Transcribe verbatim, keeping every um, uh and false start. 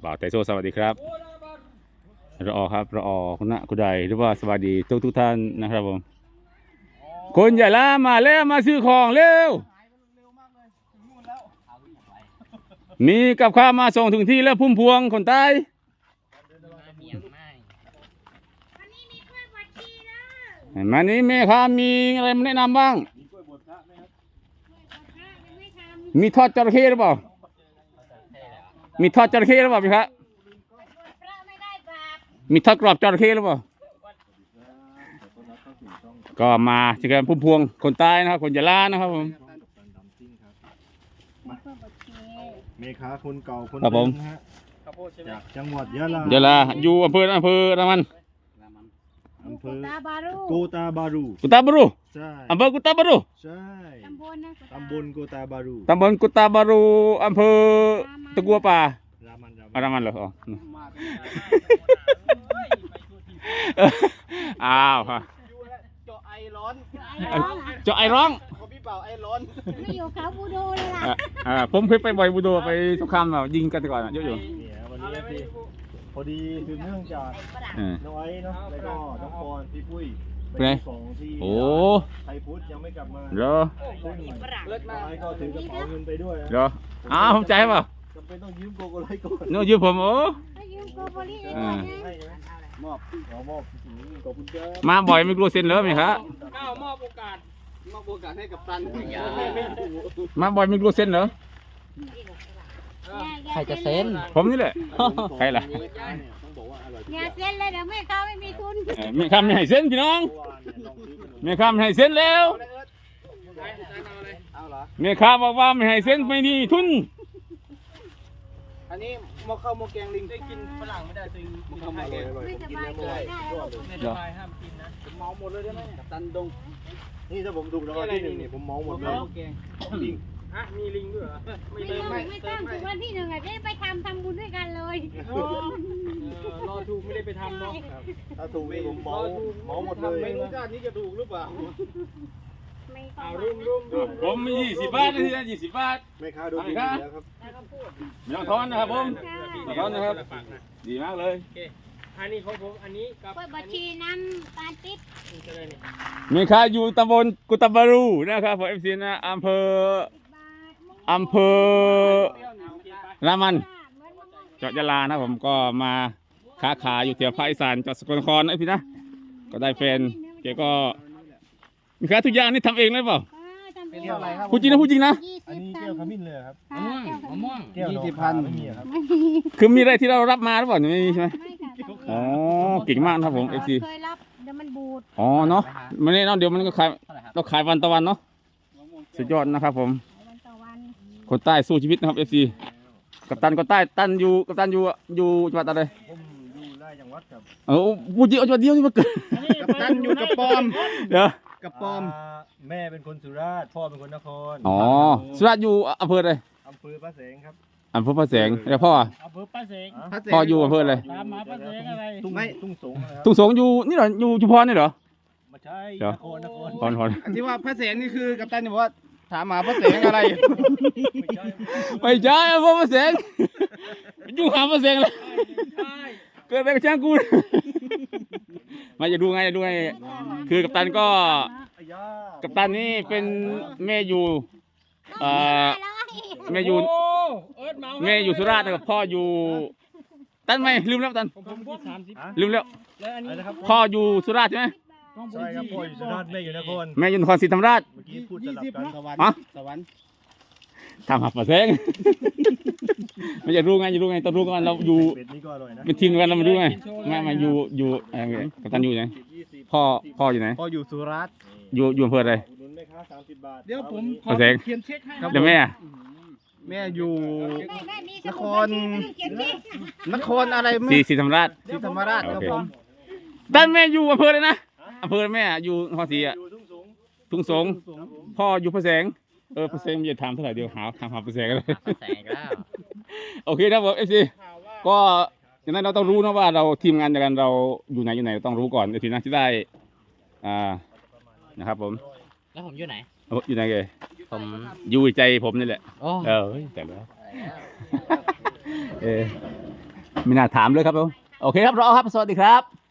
บ่าวไทโซสวัสดีครับรอครับรอคุณณะคุณใดหรือว่าสวัสดีทุกทุกท่านนะครับผมคนใหญ่ละมาแล้วมาซื้อของเร็วมีกับข้าวมาส่งถึงที่แล้วพุ่มพวงคนใต้มานี้แม่ค้ามีอะไรมาแนะนำบ้างมีทอดจระเข้หรือเปล่ามีทอดจระเข้หรือเปล่าพี่ครับมีทอดกรอบจระเข้หรือเปล่าก็มาที่กันพุ่มพวงคนใต้นะครับคนยะลานะครับผมเมฆาคนเก่าคนครับผมนะฮะจากจังหวัดยะลายะลาอยู่อำเภออำเภอรามันอำเภอตาบารุโกตาบารูกุตาบารุใช่อำเภอกุตาบารุใช่ตำบลนะตำบลโกตาบารูตำบลกุตาบารุอำเภอตะกัวป่ารามันอารามันเหรออ๋ออ้าวฮะเจาะไอร้อนเจาะไอร้องเขาพี่เป่าไอร้อนไม่อยู่เขาบูโดเลยล่ะอ่าอ่าผมเคยไปบ่อยบูโดไปสงครามแบบยิงกันก่อนเยอะอยู่เนี่ยวันนี้ที่พอดีคือเนื่องจากเออน้องไอ้เนาะแล้วก็น้องปอนพี่ปุ้ยเป็นไงสองที่โอ้ไทยพุทธยังไม่กลับมาเหรอซึ่งเลิศน้มาอก งไอ้ก็ถือกระเป๋าเงินไปด้วยนะเหรออ้าวผมใจเปล่าจำเป็นต้องยืมโกโกไลก่อนโน้ยืมผมโอ้ให้ยืมโกโบลีเองอ่านะให้ใช่ไหมมอบขอมอบขอบคุณครับมาบ่อยไม่กลัวเซ็นเลยไหมครับก้าวมอบโอกาสมอบโอกาสให้กับตันมาบ่อยไม่กลัวเซ็นเหรอใครจะเซ็นผมนี่แหละใครล่ะอย่าเซ็นเลยเดี๋ยวแม่เขาไม่มีทุนเออแม่ค้าไม่ให้เซ็นพี่น้องแม่ค้าไม่ให้เซ็นแล้วเอาเหรอแม่ค้าบอกว่าไม่ให้เซ็นไม่มีทุนอันนี้มอข้าวมอแกงลิงได้กินฝรั่งไม่ได้จริงกินไทยเองไม่สบายใจได้แล้วไม่ได้ห้ามกินนะผมเมาหมดเลยได้ไหมกับตันดงนี่ถ้าผมถูกรางวัลที่หนึ่งนี่ผมเมาหมดเลยแกงลิงฮะมีลิงด้วยเหรอไม่ไม่เติมต้องไม่ไม่เติต้อมงไม่ถึงวันที่หนึ่งอ่ะจะไปทำทำบุญด้วยกันเลยรอถูกไม่ได้ไปทำเนาะถ้าถูกนี่ผมเมาเมาหมดเลยไม่รู้ชาตินี้จะถูกหรือเปล่าไม่ต้อเอางรุ่มรุ่มรุ่มผมมียี่สิบบาทนะที่นั่นยี่สิบบาทไม่ค้าดูดีแล้วครับไม่ต้องทอนนะครับผมไม่ต้องทอนนะครับดีมากเลยอันนี้ของผมอันนี้กับเปิดบัญชีน้ำตาลติ๊บจะได้นี่แม่ค้าอยู่ตำบลกุตาบารูนะครับผมเอฟซีนะอำเภอบาทอำเภอรามันจังหวัดยะลานะผมก็มาค้าขายอยู่แถวภาคอีสานจังหวัดสกลนครนะพี่นะก็ได้แฟนแกก็มีค้าทุกอย่างนี่ทำเองเลยเปล่าเป็นเท่าไหร่ครับพูดจริงนะพูดจริงนะอันนี้แก้วขมิ้นเลยครับมะม่วงมะม่วงแก้วยี่สิบพันไม่มีครับคือมีอะไรที่เรารับมาหรือเปล่าไม่มีใช่ไหมไม่ค่ะอ๋อเก่งมากนะครับผมเอฟซีเคยรับเดี๋ยวมันบูดอ๋อเนาะมันนี่เนาะเดี๋ยวมันก็ขายเราขายวันต่อวันเนาะสุดยอดนะครับผมวันต่อวันคนใต้สู้ชีวิตนะครับเอฟซีกัปตันคนใต้ตันอยู่กัปตันอยู่อยู่จังหวัดอะไรผมอยู่ไร่จังหวัดครับเออพูดจริงเอาจังหวัดเดียวนี่มาเกิดกับตันอยู่กับปอมเดี๋ยวกับปอมแม่เป็นคนสุราษฎร์พ่อเป็นคนนครอ๋อสุราษฎร์อยู่อำเภออะไรอำเภอพระแสงครับอำเภอพระแสงแล้วพ่ออะอำเภอป้าเสงพ่ออยู่อำเภออะไรตามหาป้าเสงอะไรทุ่งทุ่งสงนะครับทุ่งสงอยู่นี่เหรออยู่ชุมพรนี่เหรอไม่ใช่เดี๋ยวนครนครพรพรอันที่ว่าพระแสงนี่คือกับตันบอกว่าถามหาพระแสงอะไรไม่ใช่ไม่ใช่อำเภอพระแสงอยู่หาพระแสงเลยเกิดอะไรกับช่างกูมาจะดูไงจะดูไงคือกัปตันก็อ้ยากัปตันนี่เป็นแม่อยู่เอ่อแม่อยู่โอ้เอิร์ดเมาแม่อยู่สุราษฎร์นะครับพ่ออยู่ตันไหมลืมแล้วตันผมผมสามสิบลืมแล้วแล้วอันอะไรนี้นะครับพ่ออยู่สุราษฎร์ใช่ไหมต้องใช่ครับพ่ออยู่สุราษฎร์แม่อยู่นครแม่อยู่นครศรีธรรมราชเมื่อกี้พูดสลับกันสวรรค์ฮะสวรรค์ทำหับประแสง ไม่จะรู้ไงจะรู้ไงต้องรู้กันเราอยู่เป็ดนี่ก็อร่อยนะเป็นทีมกันเรามารู้ไงมามาอยู่อยู่เอ่อกัปตันอยู่ไหนยี่สิบพ่อพ่ออยู่ไหนพออยู่สุราษฎร์อยู่อยู่อำเภออะไรอุดหนุนแม่ค้าสามสิบบาทเดี๋ยวผมขอแสงเขียนเช็คให้แล้วแม่อะแม่อยู่นนคร นครอะไรศรีไม่ศรีธรรมราชศรีธรรมราชครับผมด้านแม่อยู่อำเภอเลยนะอำเภอแม่อยู่นครศรีอ่ะอยู่ทุ่งสงทุ่งสงพ่ออยู่พระแสงเออพระแสงอย่าถามเท่าไหร่เดียวหาถามหาพระแสงกันเลยแสงแล้วโอเคครับผมเอฟซีก็อย่างนั้นเราต้องรู้นะว่าเราทีมงานเดียวกันเราอยู่ไหนอยู่ไหนเราต้องรู้ก่อนเดี๋ยวทีนะที่ได้อ่านะครับผมแล้วผมอยู่ไหนเอาอยู่ไหนเกยผมอยู่ใจผมนี่แหละโอ้เออเฮ้ยแต่แล้วเออไม่น่าถามเลยครับผมโอเคครับรอครับสวัสดีครับ